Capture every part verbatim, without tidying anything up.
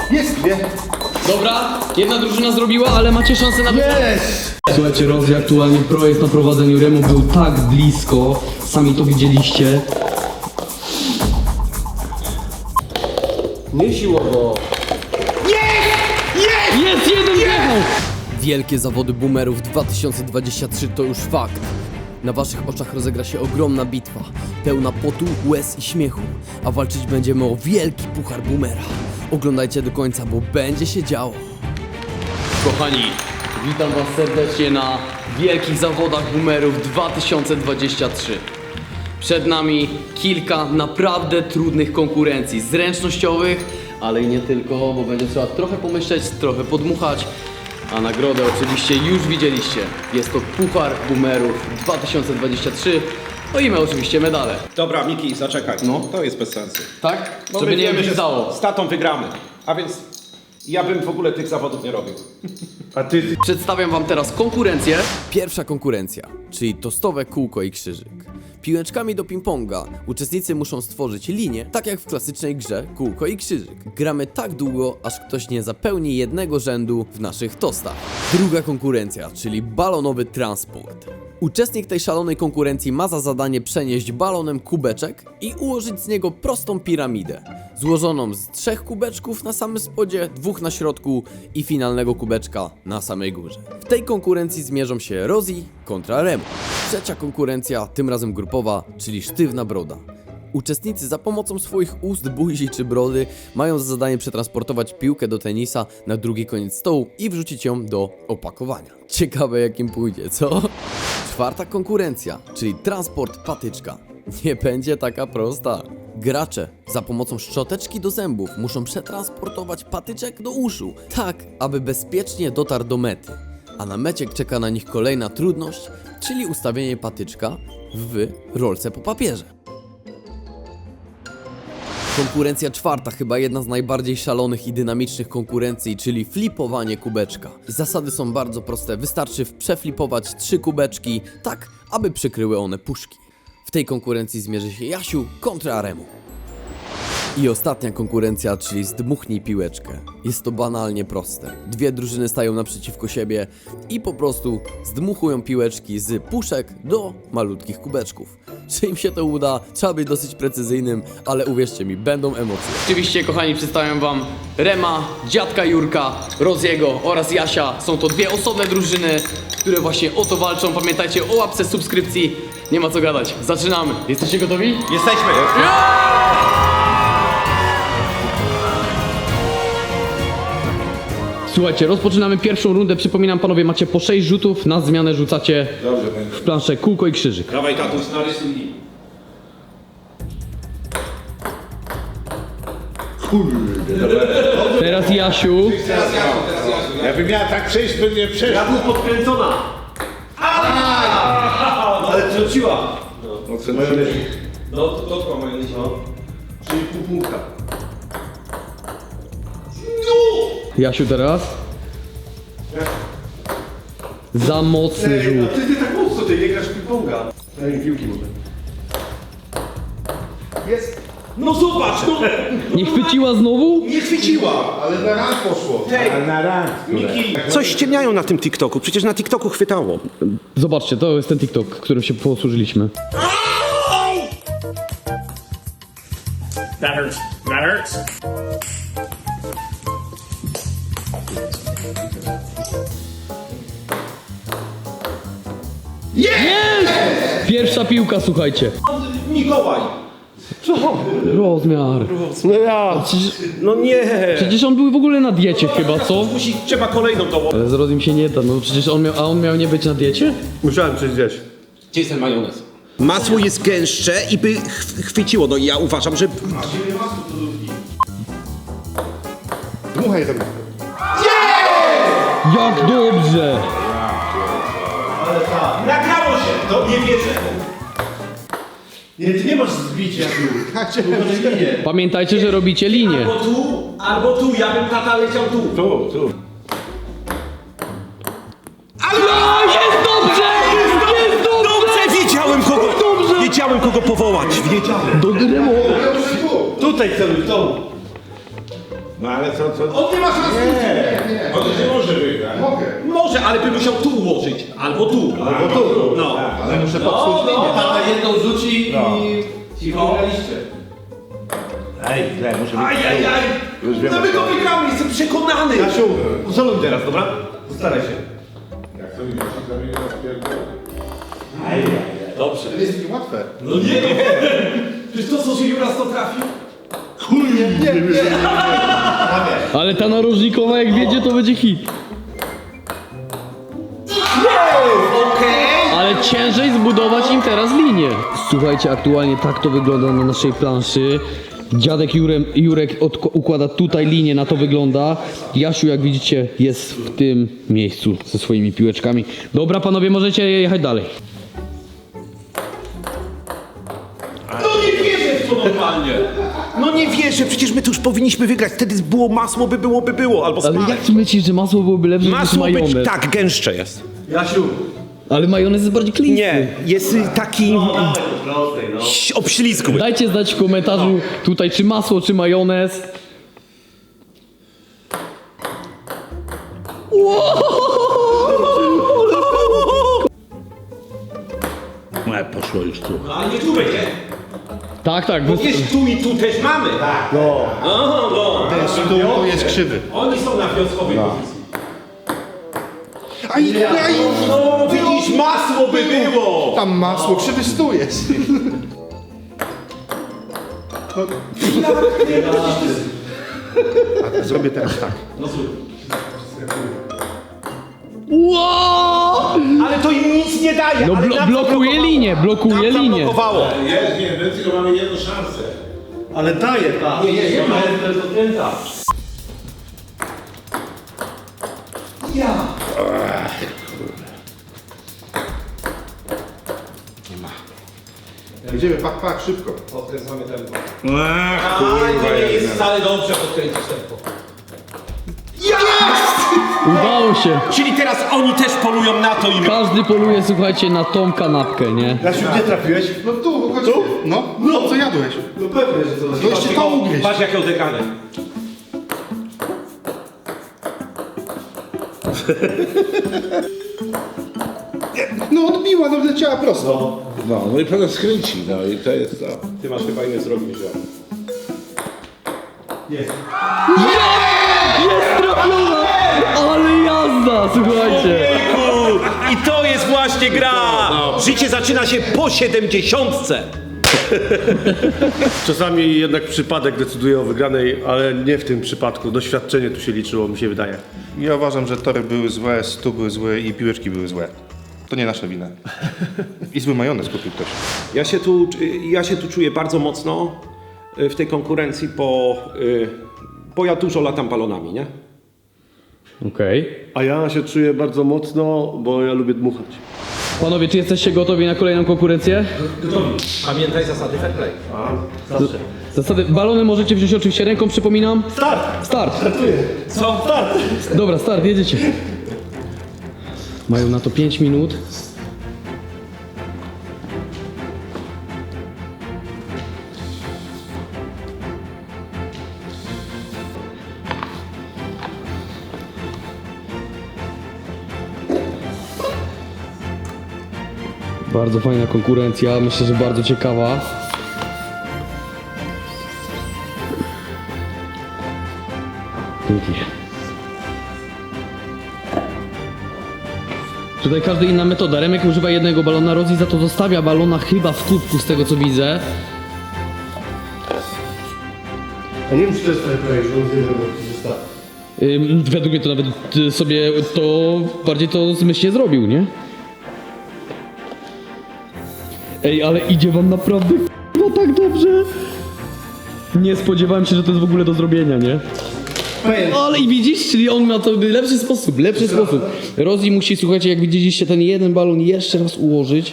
Jest dwie. Dobra, jedna drużyna zrobiła, ale macie szansę na Jest! Słuchajcie, Rozi aktualnie pro jest na prowadzeniu Remu, był tak blisko, sami to widzieliście. Nie siłowo. Jest jeden wjechał! Wielkie zawody boomerów dwa tysiące dwudziesty trzeci to już fakt. Na waszych oczach rozegra się ogromna bitwa, pełna potu, łez i śmiechu, a walczyć będziemy o wielki puchar boomera. Oglądajcie do końca, bo będzie się działo. Kochani, witam was serdecznie na wielkich zawodach boomerów dwa tysiące dwudziesty trzeci. Przed nami kilka naprawdę trudnych konkurencji, zręcznościowych, ale i nie tylko, bo będzie trzeba trochę pomyśleć, trochę podmuchać. A nagrodę oczywiście już widzieliście. Jest to Puchar Boomerów dwa tysiące dwudziesty trzeci. No i my oczywiście medale. Dobra, Miki, zaczekaj. No. To jest bez sensu. Tak? Bo Żeby my nie wiemy, że wydało. z tatą wygramy. A więc ja bym w ogóle tych zawodów nie robił. A ty... Przedstawiam wam teraz konkurencję. Pierwsza konkurencja, czyli tostowe kółko i krzyżyk. Piłeczkami do ping-ponga uczestnicy muszą stworzyć linię, tak jak w klasycznej grze kółko i krzyżyk. Gramy tak długo, aż ktoś nie zapełni jednego rzędu w naszych tostach. Druga konkurencja, czyli balonowy transport. Uczestnik tej szalonej konkurencji ma za zadanie przenieść balonem kubeczek i ułożyć z niego prostą piramidę, złożoną z trzech kubeczków na samym spodzie, dwóch na środku i finalnego kubeczka na samej górze. W tej konkurencji zmierzą się Rozi kontra Remu. Trzecia konkurencja, tym razem grupowa, czyli sztywna broda. Uczestnicy za pomocą swoich ust, buzi czy brody mają za zadanie przetransportować piłkę do tenisa na drugi koniec stołu i wrzucić ją do opakowania. Ciekawe jakim pójdzie, co? Czwarta konkurencja, czyli transport patyczka. Nie będzie taka prosta. Gracze za pomocą szczoteczki do zębów muszą przetransportować patyczek do uszu, tak aby bezpiecznie dotarł do mety. A na mecie czeka na nich kolejna trudność, czyli ustawienie patyczka w rolce po papierze. Konkurencja czwarta, chyba jedna z najbardziej szalonych i dynamicznych konkurencji, czyli flipowanie kubeczka. Zasady są bardzo proste, wystarczy przeflipować trzy kubeczki, tak aby przykryły one puszki. W tej konkurencji zmierzy się Jasiu kontra Remu. I ostatnia konkurencja, czyli zdmuchnij piłeczkę. Jest to banalnie proste. Dwie drużyny stają naprzeciwko siebie i po prostu zdmuchują piłeczki z puszek do malutkich kubeczków. Czy im się to uda? Trzeba być dosyć precyzyjnym, ale uwierzcie mi, będą emocje. Oczywiście, kochani, przedstawiam wam Rema, dziadka Jurka, Roziego oraz Jasia. Są to dwie osobne drużyny, które właśnie o to walczą. Pamiętajcie o łapce, subskrypcji. Nie ma co gadać. Zaczynamy. Jesteście gotowi? Jesteśmy! Słuchajcie, rozpoczynamy pierwszą rundę. Przypominam, panowie, macie po sześć rzutów. Na zmianę rzucacie w planszę kółko i krzyżyk. Dawaj, tatuś, narysuj mi. Teraz Jasiu. Jakby miała tak przejść, by nie przeszło. Ja był podkręcona. Ale wróciła. No co najlepiej. No, to dotkła moja liczba. Czyli pół punkta. Jasiu teraz. Za mocny rzut. Ty, ty tak mocno, ty nie grasz w ping-ponga. Daj mi piłki może. Jest. No zobacz, no! Nie chwyciła znowu? Nie chwyciła! Ale na ran poszło. Hej, Ale na ran. Miki! Coś ściemniają na tym TikToku, przecież na TikToku chwytało. Zobaczcie, to jest ten TikTok, którym się posłużyliśmy. That hurts. That hurts. Pierwsza piłka, słuchajcie. Mikołaj! Rozmiar. No ja! No nie! Przecież on był w ogóle na diecie chyba, co? Musi, trzeba kolejną dołożyć. Ale z Rozim się nie da, no przecież on miał, a on miał nie być na diecie? Musiałem coś zjeść. Gdzie jest ten majonez? Masło jest gęstsze i by ch chwyciło, no i ja uważam, że... Dmuchaj tam. Jak dobrze! Nagrało się! To nie wierzę! Nie, ty nie masz zbicia tu. Nie. Pamiętajcie, że robicie linię. Albo tu, albo tu, ja bym tata leciał tu. Tu, tu. No, jest dobrze! Jest dobrze! Dobrze, wiedziałem kogo, Dobrze! wiedziałem kogo powołać, wiedziałem. Do Remo! Tutaj celuj, tu. No ale co, co? On nie ma szans. Nie, nie. On nie może wygrać. Mogę. Może, ale by musiał tu ułożyć. Albo tu. Albo tu. No. Ale muszę No, popsuć no, linię. tata jedną rzuci No. i ci wygraliście. Ej, źle, muszę być. Ajajaj! Już wiem, No my o go co. wygramy, jestem przekonany! Jasiu, uzoluj teraz, dobra? Postaraj się. Jak to widzisz, to mnie rozpierdolę. Dobrze. To jest takie łatwe. No nie, no przecież to co się Juras to trafił. Nie, nie, nie. Ale ta narożnikowa jak wiedzie to będzie hit. Ale ciężej zbudować im teraz linię. Słuchajcie, aktualnie tak to wygląda na naszej planszy. Dziadek Jurem, Jurek odko- układa tutaj linię, na to wygląda. Jasiu, jak widzicie, jest w tym miejscu ze swoimi piłeczkami. Dobra, panowie, możecie jechać dalej. No nie wierzę w to normalnie! No nie wierzę, przecież my tu już powinniśmy wygrać. Wtedy było masło, by było, by było. Albo Ale smarek. jak ty myślisz, że masło byłoby lepsze niż Masło być majonez? tak, gęstsze jest. Jasiu. Ale majonez jest bardziej klistry. Nie, jest y, taki Prostej, no. obślizgły. Dajcie znać w komentarzu tutaj, czy masło, czy majonez. No, poszło już tu. No ale nie tu będzie. Tak, tak. Bo wy- jest tu i tu też mamy. Tak. No, Aha, no. ten stół to jest krzywy. Oni są na wioskowej pozycji. Aj, aj, No widzisz, masło by było. tam masło, krzywy stół jest. A zrobię teraz tak. Wow! Ale to im nic nie daje. No ale blo- nam blokuje zablokowało. linię, blokuje Nam linię. zablokowało. Jest, nie, my tylko mamy jedną szansę. Ale daję, tak. Nie, nie, nie, ma jest dotknięta. Idziemy, pak, pak, szybko. Odkręcamy tempo. Ach, Ale to kurwa, nie jest jedna. wcale dobrze podkręcić tempo. Udało się. Czyli teraz oni też polują na to i my. Każdy poluje, słuchajcie, na tą kanapkę, nie? Jasiu, gdzie trafiłeś? No tu, chodź tu. No, no, co jadłeś? No pewnie, że to No jeszcze to ugryźć. Patrz jakie odegrane. No odbiła, no leciała prosto. No, no i potem skręci, no i to jest to. Ty masz chyba inne zrobić, że... Jest trafiona! Ale jazda, słuchajcie. I to jest właśnie gra! Życie zaczyna się po siedemdziesiątce. Czasami jednak przypadek decyduje o wygranej, ale nie w tym przypadku. Doświadczenie tu się liczyło, mi się wydaje. Ja uważam, że tory były złe, stół były złe i piłeczki były złe. To nie nasza wina. I zły majonez kupił ktoś. Ja się tu, ja się tu czuję bardzo mocno y, w tej konkurencji, bo, y, bo ja dużo latam balonami, nie? Okej. A ja się czuję bardzo mocno, bo ja lubię dmuchać. Panowie, czy jesteście gotowi na kolejną konkurencję? Pamiętaj zasady fair play. Zasady, balony możecie wziąć oczywiście ręką, przypominam. Start! Start! Co? Start! Dobra, start, jedziecie. Mają na to pięć minut. Bardzo fajna konkurencja, myślę, że bardzo ciekawa. Pięknie. Tutaj każda inna metoda. Remek używa jednego balona, Rozi za to zostawia balona chyba w kubku z tego co widzę. A nie wiem, czy to jest fair play, że on z jednego został. Ym, według mnie to nawet y, sobie to bardziej to zmyślnie zrobił, nie? Ej, ale idzie wam naprawdę no tak dobrze. Nie spodziewałem się, że to jest w ogóle do zrobienia, nie? Ale i widzisz, czyli on ma to lepszy sposób, lepszy sposób. Rozi musi, słuchajcie, jak widzieliście ten jeden balon jeszcze raz ułożyć.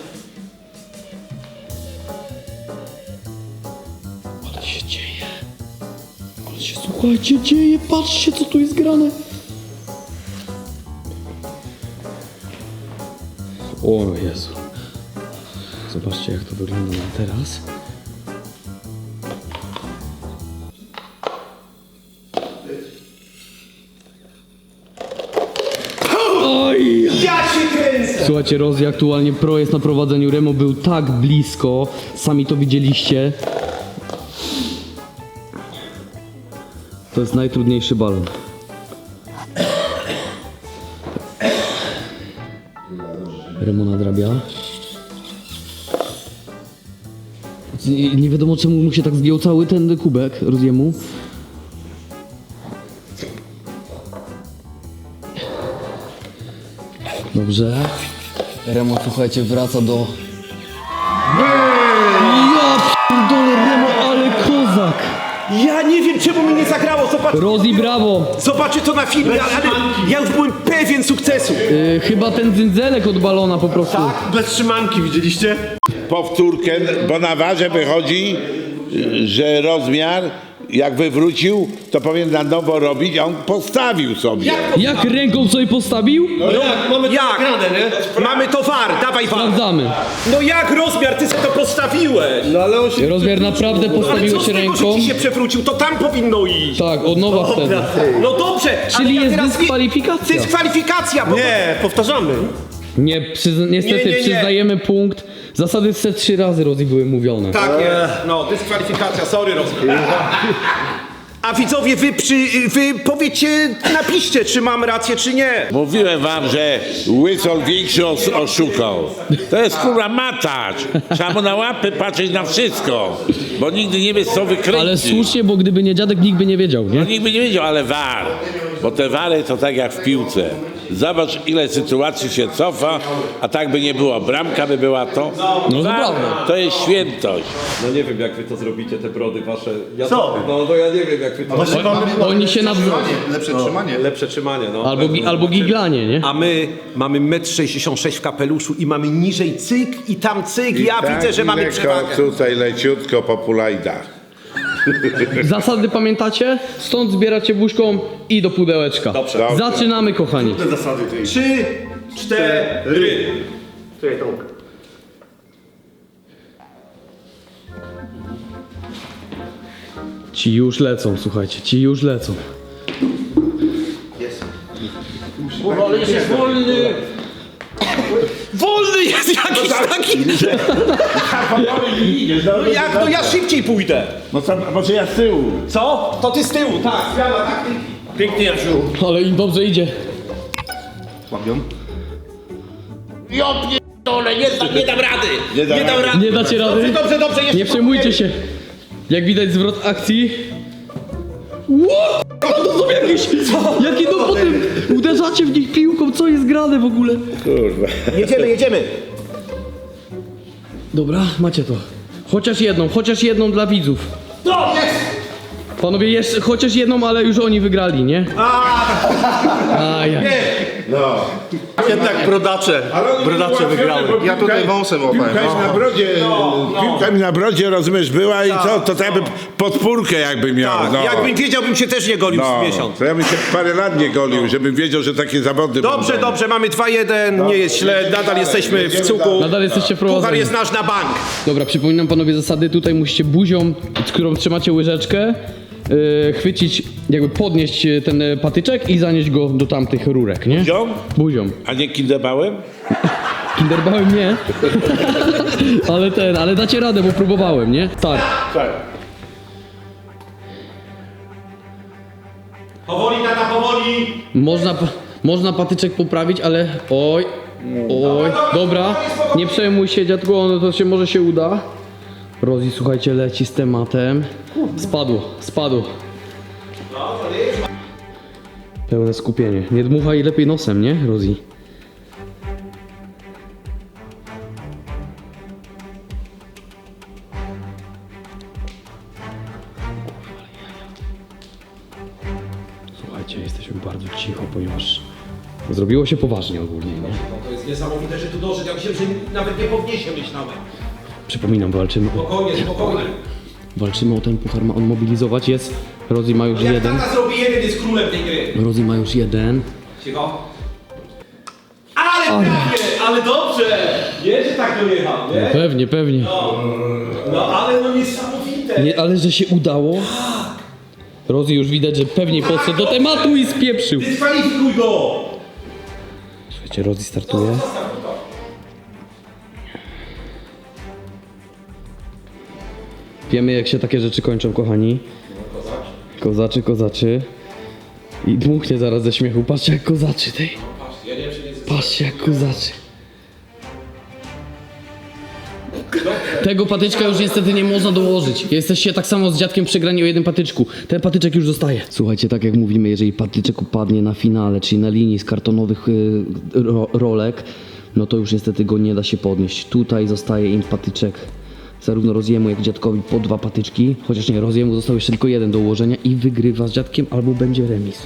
Ale się dzieje. Ale się, słuchajcie, dzieje, patrzcie co tu jest grane. O Jezu. Zobaczcie jak to wygląda na teraz. Oj! Ja się kręcę! Słuchajcie, Rozi aktualnie pro jest na prowadzeniu. Remo był tak blisko, sami to widzieliście. To jest najtrudniejszy balon. Remo nadrabia. Nie, nie wiadomo czemu mu się tak zgiął cały ten kubek Roziemu. Dobrze. Remo, słuchajcie, wraca do... Ja pierdolę, Remo, ale kozak! Ja nie wiem, czemu mi nie zagrało, zobacz. Rozi, brawo! Zobaczę to na filmie, ale, ale ja już byłem pewien sukcesu. Yy, chyba ten dzynzelek od balona po prostu. Bez trzymanki, widzieliście? Powtórkę, bo na warze wychodzi, że rozmiar jak wywrócił, to powinien na nowo robić, a on postawił sobie. Jak ręką sobie postawił? No jak? Mamy to Jak? nagrane, nie? Mamy to war, dawaj war. Sprawdzamy. No jak rozmiar, ty sobie to postawiłeś. No ale on się... Rozmiar naprawdę Ale co postawiłeś z tego, ręką. że ci się przewrócił, to tam powinno iść. Tak, od nowa wtedy. No dobrze, Czyli ale ja jest teraz nie- dyskwalifikacja. Dyskwalifikacja, bo Nie, powtarzamy. Nie, przyzna niestety Nie, nie, nie. przyznajemy punkt. Zasady se trzy razy Rozi były mówione. tak jest. No, dyskwalifikacja, sorry rozmiar. A widzowie, wy, przy, wy powiecie, napiszcie, czy mam rację, czy nie. Mówiłem wam, że Łysol większy os oszukał. To jest kurwa matacz. Trzeba mu na łapy patrzeć na wszystko, bo nigdy nie wiesz co wykręci. Ale słusznie, bo gdyby nie dziadek, nikt by nie wiedział, nie? No nikt by nie wiedział, ale war. Bo te wary to tak jak w piłce. Zobacz ile sytuacji się cofa, a tak by nie było. Bramka by była to. No to War prawda. to jest świętość. No nie wiem jak wy to zrobicie, te brody wasze. Ja Co? To, no to ja nie wiem jak wy to... O, oni się nawzajem. Lepsze trzymanie. Lepsze trzymanie, no. Albo, gi albo giglanie, nie? A my mamy metr sześćdziesiąt sześć w kapeluszu i mamy niżej cyk i tam cyk. Ja widzę, że mamy przewagę. Tutaj leciutko po pulajdach. Zasady pamiętacie? Stąd zbieracie buźką i do pudełeczka. Dobrze. Zaczynamy, kochani. Trzy, cztery. Ci już lecą, słuchajcie, ci już lecą. Wolny jest jakiś taki. No jak, to ja szybciej pójdę. No to może ja z tyłu. Co? To ty z tyłu, tak. Zmiana taktyki. Pięknie, Jasiu. Ale im dobrze idzie. Łapią. Nie, nie dam rady. Nie, dam rady. Nie dacie rady? Dobrze, dobrze, jeszcze Nie przejmujcie się. Jak widać zwrot akcji. Ło! To są jakieś... Jakie no potem uderzacie w nich piłką, co jest grane w ogóle? Jedziemy, jedziemy. Dobra, macie to. Chociaż jedną, chociaż jedną dla widzów. No, jest. Panowie, jeszcze chociaż jedną, ale już oni wygrali, nie? A, ja. Jednak brodacze. Brodacze wygrały. Ja tutaj wąsem łapałem. Piłka mi na brodzie, piłka mi na brodzie, rozumiesz, była i co? To tak jakby podpórkę jakby miał. Tak, no. jakbym wiedział, bym się też nie golił No, w miesiąc. to ja bym się parę lat nie golił, żebym wiedział, że takie zawody Dobrze, będą. dobrze, mamy dwa jeden, nie jest źle, nadal jesteśmy w cuku. Nadal jesteście Puchar prowadzeni. jest nasz na bank. Dobra, przypominam panowie zasady. Tutaj musicie buzią, z którą trzymacie łyżeczkę, yy, chwycić, jakby podnieść yy, ten yy, patyczek i zanieść go do tamtych rurek, nie? Buzią? Buzią. A nie kindebałem? Kinderbałem nie. Ale ten, ale dacie radę, bo próbowałem, nie? Tak. Powoli, tata, powoli. Można, pa- można patyczek poprawić, ale oj, oj, dobra, nie przejmuj się dziadku, no to się może się uda. Rozi, słuchajcie, leci z tematem. Spadło, spadło. Pełne skupienie. Nie dmuchaj lepiej nosem, nie, Rozi? Słuchajcie, jesteśmy bardzo cicho, ponieważ zrobiło się poważnie ogólnie, nie? To jest niesamowite, że tu doszedł. Ja myślałem, że nawet nie podniesie, myślałem. Przypominam, walczymy o, Spokojnie, spokojnie. walczymy o ten puchar, ma on mobilizować, jest. Rozi ma już Jak jeden. tata zrobi jeden, jest królem tej gry. Rozi ma już jeden. Cicho. Ale prawie, ale dobrze. Nie, że tak dojechał, nie? Pewnie, pewnie. No ale no niesamowite. Nie, ale że się udało. Rozi już widać, że pewnie podszedł do tematu i spieprzył. Dyskwalifikuj go! Słuchajcie, Rozi startuje. Wiemy, jak się takie rzeczy kończą, kochani. Kozaczy, kozaczy. I dmuchnie zaraz ze śmiechu. Patrzcie, jak kozaczy tej. Patrzcie, jak kozaczy. Tego patyczka już niestety nie można dołożyć. Jesteście tak samo z dziadkiem przegrani o jednym patyczku. Ten patyczek już zostaje. Słuchajcie, tak jak mówimy, jeżeli patyczek upadnie na finale, czyli na linii z kartonowych y, ro, rolek, no to już niestety go nie da się podnieść. Tutaj zostaje im patyczek. Zarówno Roziemu, jak i dziadkowi po dwa patyczki. Chociaż nie, Roziemu został jeszcze tylko jeden do ułożenia i wygrywa z dziadkiem, albo będzie remis.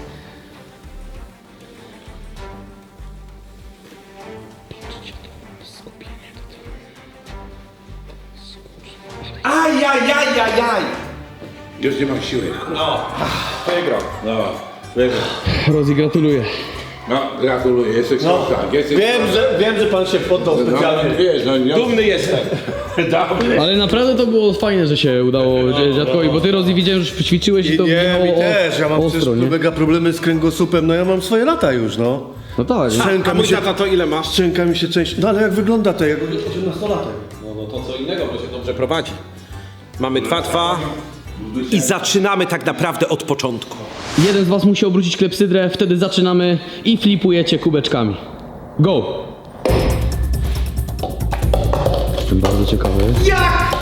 Ajajajajaj! Już nie mam siły. No, wygrał. No, wygrał. Rozi, gratuluję. No, gratuluję, jesteś no, tak, jesteś Wiem, że, wiem, że pan się poddał no, specjalnie. wiesz, no, nie... Dumny jestem. Ale naprawdę to było fajne, że się udało dziadkowi, bo ty, Rozi, widziałem, że ćwiczyłeś i to Nie, brzmiało mi o- też, ja mam ostro, przecież nie? mega problemy z kręgosłupem, no ja mam swoje lata już, no. No tak, nie? Szczęka A mi mój się, tata to ile masz? szczęka mi się część... No ale jak wygląda to, jak osiemnastolatek? No, no to co innego, bo się dobrze prowadzi. Mamy dwa dwa i zaczynamy tak naprawdę od początku. Jeden z was musi obrócić klepsydrę, wtedy zaczynamy i flipujecie kubeczkami. Go! Jestem bardzo ciekawy. Jak?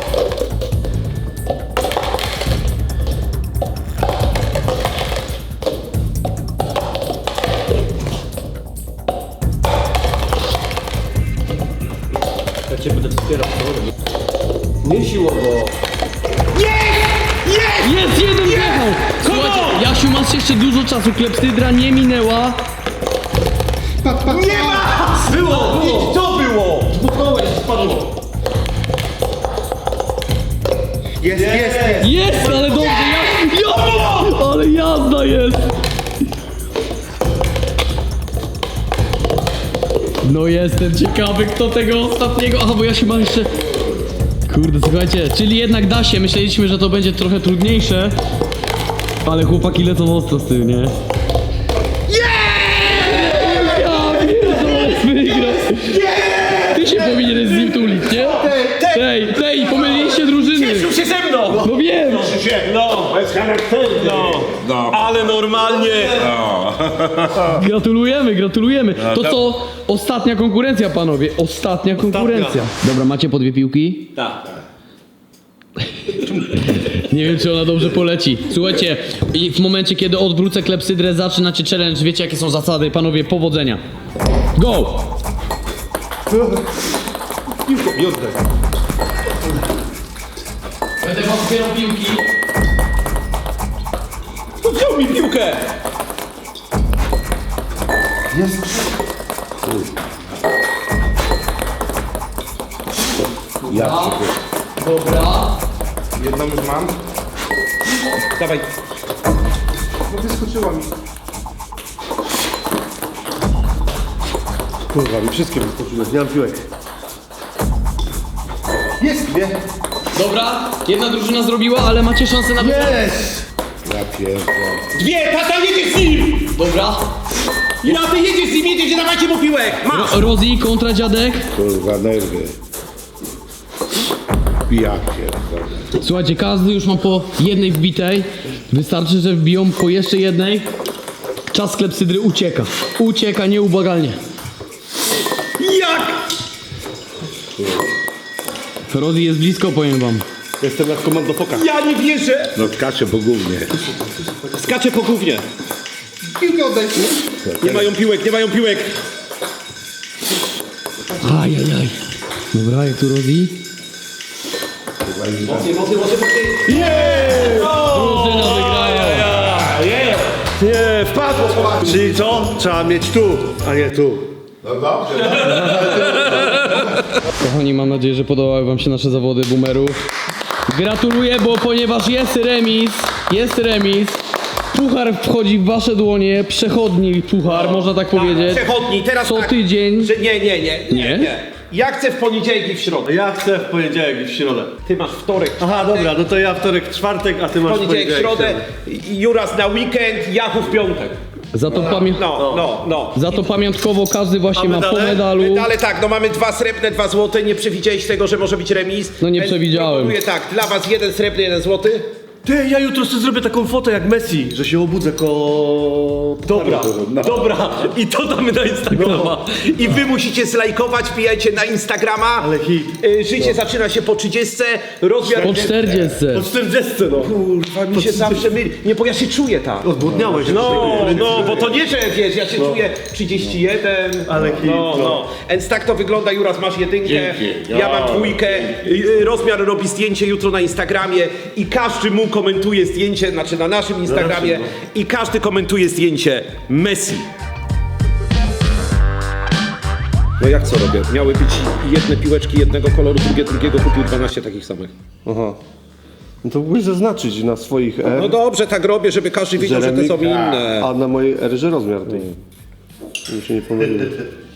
Ja cię będę wspierał. Nie siłowo. Jest, jeden wjechał! Słuchajcie, Jasiu, masz jeszcze dużo czasu, klepsydra nie minęła. Nie ma! Było! było. I to było! Dmuchnąłeś, spadło. Jest, jest, jest. Jest, ale dobrze, ja, ja, ale jazda jest! No jestem ciekawy, kto tego ostatniego... Aha, bo Jasiu ma jeszcze... Kurde, słuchajcie, czyli jednak da się. Myśleliśmy, że to będzie trochę trudniejsze. Ale chłopaki lecą ostro z tym, nie? Ja pierdolę, wygrał! Ty się powinieneś z nim tulić, nie? Tej, tej, pomyliliście drużyny! Cieszył się ze mną! No wiem! No, bez charakteru. No. No. Ale normalnie. Gratulujemy, gratulujemy. To co? Ostatnia konkurencja, panowie. Ostatnia konkurencja. Dobra, macie po dwie piłki? Tak. Nie wiem, czy ona dobrze poleci. Słuchajcie, i w momencie, kiedy odwrócę klepsydrę, zaczynacie challenge. Wiecie, jakie są zasady. Panowie, powodzenia. Go! Będę wam zbierał piłki. No wziął mi piłkę. Dobra. Jedną już mam. Dawaj. No wyskoczyła mi. Kurwa, mi wszystkie wyskoczyły, nie mam piłek. Jest dwie. Dobra, jedna drużyna zrobiła, ale macie szansę na Jest! Ja pierdolę. Dwie, tata jedzie z nim! Dobra. Ja ty jedziesz z nim, jedziecie, dawajcie mu piłek! Masz! Ro Rozi kontra dziadek. Kurwa, nerwy. Ja pierdolę. Słuchajcie, każdy już ma po jednej wbitej. Wystarczy, że wbiją po jeszcze jednej. Czas klepsydry ucieka. Ucieka nieubłagalnie. Jak? Rozi jest blisko, powiem wam. Jestem jak komando foka. Ja nie wierzę! No skacze po gównie. Skacze po gównie. Piłkę oddaj. Nie mają piłek, nie mają piłek. Ajajaj. Dobra, jak tu Rozi? Mocniej, mocniej, mocniej, mocniej. Drużyna wygrają. Nie, wpadło. Czyli co? Trzeba mieć tu, a nie tu. No dobrze, Kochani, mam nadzieję, że podobały wam się nasze zawody boomerów. Gratuluję, bo ponieważ jest remis, jest remis, Puchar wchodzi w wasze dłonie, przechodni puchar, można tak powiedzieć. Przechodni, teraz Co tak, tydzień. Że nie, nie, nie, Nie? Ja chcę w poniedziałek i w środę. Ja chcę w poniedziałek i w środę. Ty masz wtorek, Aha, dobra, no to ja wtorek, czwartek, a ty masz poniedziałek, środę, i Juras na weekend, Jachu w piątek. Za to, pamię... No, no, no. Za to pamiątkowo każdy właśnie A ma po medale? medalu. Ale tak, no mamy dwa srebrne, dwa złote, nie przewidziałeś tego, że może być remis. No nie Więc przewidziałem. Proponuję tak, dla was jeden srebrny, jeden złoty. Ty, ja jutro sobie zrobię taką fotę jak Messi, że się obudzę ko... Dobra, dobra. I to damy na Instagrama. I wy musicie zlajkować, wbijajcie na Instagrama. Ale hit. Y, Życie zaczyna się po trzydziestce, rozmiar... Po czterdziestce. Po czterdziestce, no. Kurwa, mi się zawsze myli. Nie, bo ja się czuję tak. Odbudniałeś. No, no, bo to nie, że wiesz, ja się czuję trzydzieści jeden. Ale hit, no, no. no. Więc tak to wygląda, Juras, masz jedynkę, Dzięki. ja mam dwójkę, y, y, rozmiar robi zdjęcie jutro na Instagramie i każdy mu komentuje zdjęcie, znaczy na naszym Instagramie i każdy komentuje zdjęcie Messi. No jak co robię? Miały być jedne piłeczki jednego koloru, drugie drugiego, kupił dwanaście takich samych. Aha. No to mógłbyś zaznaczyć na swoich R, No dobrze, tak robię, żeby każdy wiedział, że te są inne. a na mojej R, że rozmiar tej. Mi się nie pomyliło.